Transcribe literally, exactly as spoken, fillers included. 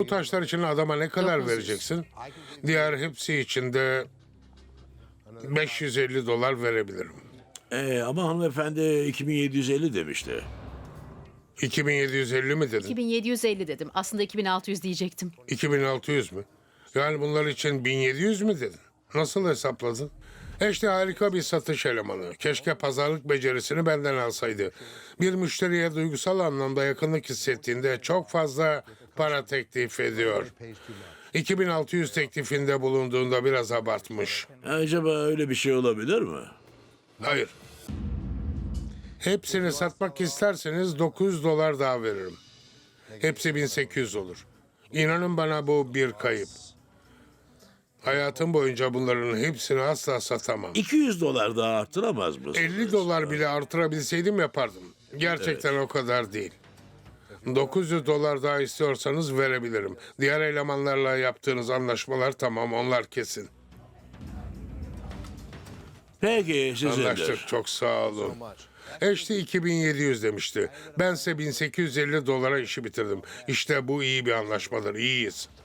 taşlar için adama ne kadar dokuz yüz. vereceksin? Diğer hepsi için de beş yüz elli dolar verebilirim. Ee, ama hanımefendi iki bin yedi yüz elli demişti. iki bin yedi yüz elli mi dedin? iki bin yedi yüz elli dedim. Aslında iki bin altı yüz diyecektim. iki bin altı yüz mü? Yani bunlar için bin yedi yüz mü dedin? Nasıl hesapladın? İşte harika bir satış elemanı. Keşke pazarlık becerisini benden alsaydı. Bir müşteriye duygusal anlamda yakınlık hissettiğinde çok fazla para teklif ediyor. iki bin altı yüz teklifinde bulunduğunda biraz abartmış. Acaba öyle bir şey olabilir mi? Hayır. Hepsini satmak isterseniz dokuz yüz dolar daha veririm. Hepsi bin sekiz yüz olur. İnanın bana bu bir kayıp. Hayatım boyunca bunların hepsini asla satamam. iki yüz dolar daha arttıramaz mısınız? elli dolar bile artırabilseydim yapardım. Gerçekten o kadar değil. dokuz yüz dolar daha istiyorsanız verebilirim. Diğer elemanlarla yaptığınız anlaşmalar tamam, onlar kesin. Peki sizindir. Anlaştık, çok sağ olun. Eşti iki bin yedi yüz demişti. Bense bin sekiz yüz elli dolara işi bitirdim. İşte bu iyi bir anlaşmadır, iyiyiz.